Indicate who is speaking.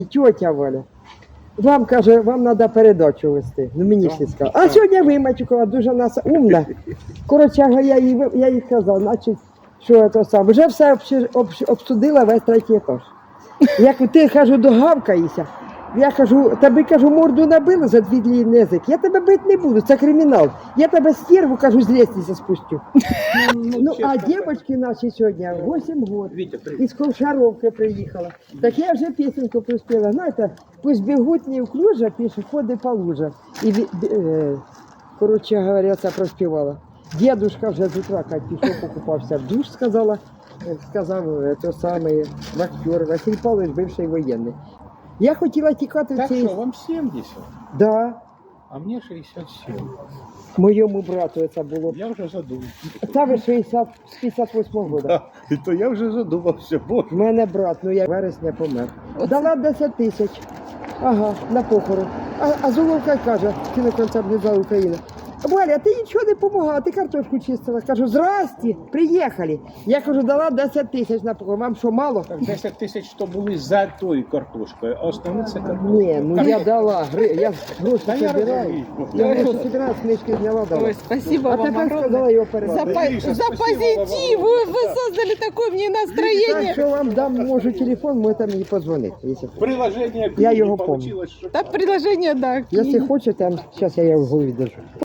Speaker 1: Тетя Валя, вам каже, вам треба передачу вести. Ну мені ж не сказали. А сьогодні ви, Матюкова, дуже нас умна. Коротше, я їй казав, значить, що це саме. Вже все обсудила весь третій етаж. Як ти, кажу, догавкаєшся, я кажу, тебе, кажу, морду набили за дві длинні язик. Я тебе бити не буду, це кримінал. Я тебе стерву, кажу, з лестниці спустю. Ну, а дівчатки наші сьогодні 8 років. Із Ковшаровки приїхала. Так я вже пісеньку приспіла. Знаєте, пусть бігуть не в клужа, пішоходи по лужах. І, коротше говоря, це проспівала. Дедушка вже з утра, як пішов, покупався в душ, сказав той самий актер Василь Павлович, бивший воєнний. Я хотіла тікати
Speaker 2: Так
Speaker 1: в цей...
Speaker 2: що, вам 70?
Speaker 1: Да.
Speaker 2: А мені 67.
Speaker 1: Моєму брату це було.
Speaker 2: Я вже задумався.
Speaker 1: Це ви 58-го року.
Speaker 2: Да. І то я вже задумався, боже.
Speaker 1: У мене брат, ну я вересня помер. Дала 10 тисяч. Ага, на похорон. А Золовка каже, кіноконцертний зал України. Валя, ти нічого не допомагала, ти картошку чистила. Кажу, здрасте, приїхали. Я кажу, дала 10 тисяч на похорон. Вам що, мало?
Speaker 2: Так 10 тисяч то були за тою картошкою, а основне це картошка.
Speaker 1: Ні, ну я дала. Я гроші
Speaker 2: Та я
Speaker 1: збираю.
Speaker 2: розумію.
Speaker 1: Я гроші збираю, книжки зняла, дала.
Speaker 3: Ой, спасибо
Speaker 1: А
Speaker 3: вам
Speaker 1: тепер
Speaker 3: огромное.
Speaker 1: сказала його передати.
Speaker 3: За позитив! Вы создали такое мне
Speaker 1: Так
Speaker 3: настроение.
Speaker 1: що вам дам, можу телефон, можете мені подзвонити. Якщо хочете.
Speaker 2: Приложення
Speaker 1: Я його
Speaker 2: получилось, що
Speaker 3: Да, предложение, да.
Speaker 1: Якщо хочете, зараз я його в голові держу.